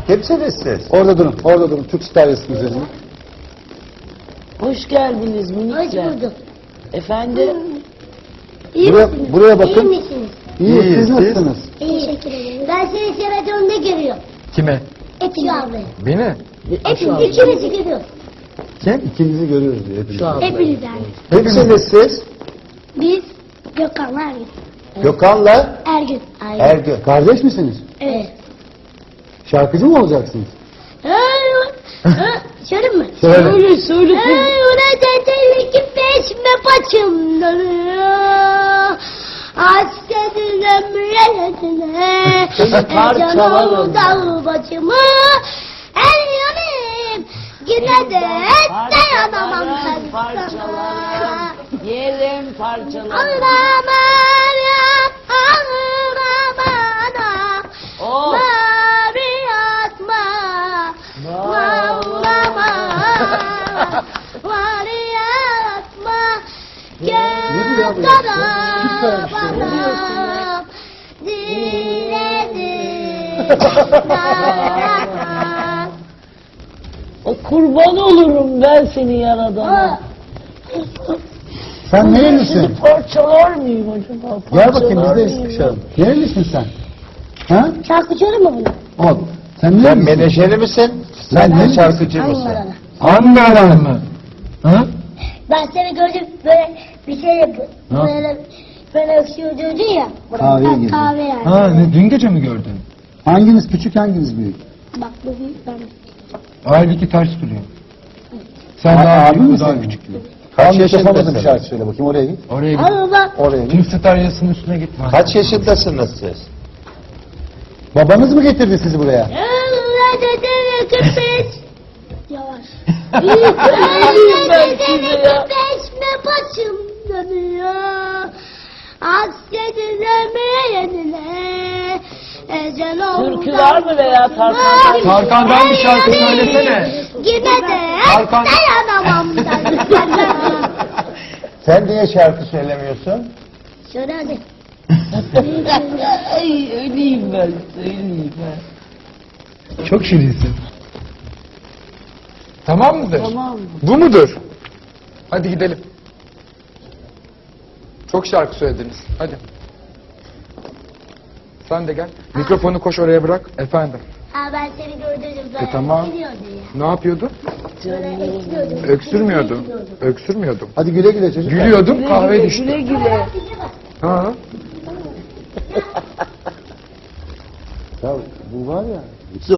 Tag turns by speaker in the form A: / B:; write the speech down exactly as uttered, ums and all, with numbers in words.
A: Kimsiniz siz?
B: Orada durun, orada durun. Türk Star resmi üzerine.
C: Hoş geldiniz
D: Hoş
C: minikler.
D: bulduk.
C: Efendim?
D: İyi
B: Buraya,
D: misiniz?
B: buraya bakın.
D: İyi misiniz?
B: İyi,
A: İyiyiz,
B: siz
A: siz?
B: nasılsınız?
D: İyi. Teşekkür ederim. Ben seni televizyonda görüyorum.
A: Kime?
D: Hepsi abi.
A: Beni?
D: Hepimiz ikimizi görüyoruz.
A: Kim?
B: İkinizi görüyoruz diye. hepinizi.
C: Şu an.
D: Hepiniz yani.
A: Kimsiniz siz?
D: Biz Gökhan'la Ergün.
A: Gökhan'la
D: Ergün. Aynen.
A: Ergün.
B: Kardeş misiniz?
D: Evet.
B: Şarkıcı mı olacaksınız?
D: Şöyle mi?
B: Söyle.
C: Söyle söyle.
D: Öyle dedi ki peşme paçım dönüyor. Hasretin ömrüne.
C: Parçalarım.
D: Dağ bacımı. El yanayım. Yine de dayanamam
C: Parçalarım,
D: ben
C: parçalarım. Yerim parçalarım.
D: Ağlamam ya, ağlamam.
C: Oh.
D: Mavi atma, ağlama. Mavi atma,
B: Ne diyor abi
D: gel
B: ya?
D: sana
B: Süper bir şey. Ne
D: bana. Diledim, dayanamam.
C: O kurban olurum ben seni yaradana.
B: Sen nerelisin?
C: Seni parçalar mıyım acaba?
B: Gel bakayım biz
C: Parçalar
B: de
C: mıyım?
B: sıkışalım. Nerelisin sen? Ha?
D: Şarkıcı olur mu bunu?
B: Ol. Sen
A: Sen
B: nerelisin?
A: menajeri misin?
B: Sen
A: Sen
B: ne-
A: de şarkıcı mısın?
D: Ankara'da.
A: Ankara mı? Ha?
D: Ben seni gördüm böyle bir şey yapıyor. Böyle böyle öksürdüydü ya.
B: Kahveye
D: Ha,
B: girdin.
D: Kahve yani.
E: Ha, ne, dün gece mi gördün?
B: Hanginiz küçük, hanginiz büyük?
D: Bak bu büyük ben.
E: Halbuki ters duruyor. Sen
B: A-
E: daha
B: abi
E: büyük,
B: mi
E: o daha
B: senin?
E: küçük.
A: Kaç
B: Al mikrofona da bir
A: yaşındasınız?
B: şarkı söyle bakayım, oraya git.
E: Oraya git.
D: Allah.
B: Oraya git.
E: Tüm staryasının üstüne gitme.
A: Kaç yaşındasınız siz?
B: Babanız mı getirdi sizi buraya?
D: Allah dedeme kırpış. Yavaş.
C: Öleyim ben size ya.
D: Peşme paçım dönüyor. Hasretin ömrüne. Ecel oldu.
C: Türkü var mı veya Tarkan'dan?
E: Tarkan'dan bir şarkı söylesene.
D: Yine de
E: Tarkan-
D: dayanamam ben.
A: Sen niye şarkı söylemiyorsun?
D: Şöyle hadi.
C: Ay öleyim ben, öleyim ben.
E: Çok şirinsin. Tamam mıdır?
C: Tamam mı?
E: Bu mudur? Hadi gidelim. Çok şarkı söylediniz. Hadi. Sen de gel. Mikrofonu koş oraya bırak. Efendim.
D: Ha ben seni gördüm böyle.
E: E, tamam.
D: Gidiyordu ya.
E: Ne yapıyordu?
D: Böyle etkiliyordum.
E: Öksürmüyordu. Öksürmüyordum.
B: Hadi güle güle çocuklar.
E: Gülüyordum,
C: Güle
E: kahve
C: güle,
E: düştü.
C: güle güle.
E: Ha.
B: Ya bu var ya.